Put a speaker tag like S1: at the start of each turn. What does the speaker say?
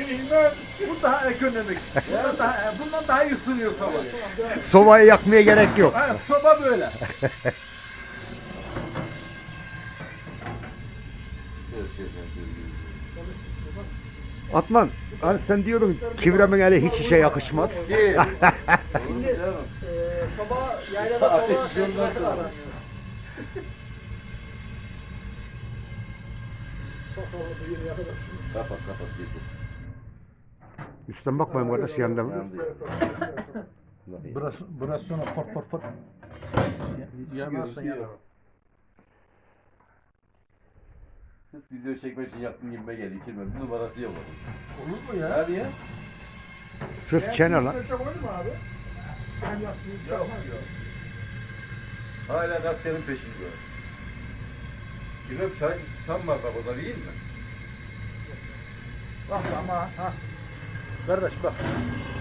S1: bilmem.
S2: Bu daha ekonomik. Bundan daha iyi ısınıyor sobayı.
S3: Sobayı yakmaya gerek yok.
S2: Ha, soba böyle.
S3: Atman, hani sen diyordun kivremin eli hiç işe yakışmaz.
S1: Şimdi soba, yaylada soba tecrübesi var.
S4: Kapat getir.
S3: Üstten bakmayın kardeş yanında mı?
S2: Burası sonra pot. Yanarsa yanar.
S4: Sırf video çekmek için yaptığım gibime geliyor. Kirmem. Bir numarası yok onun.
S2: Olur mu ya?
S4: Hadi ya.
S3: Sırf çene lan.
S2: İstersen olur mu abi? Ben yaptığım bir şey olmaz.
S4: Hala gazetenin peşinde. Kirmem sen var bak o da değil mi?
S2: Bak ama ha. Kardeş bak.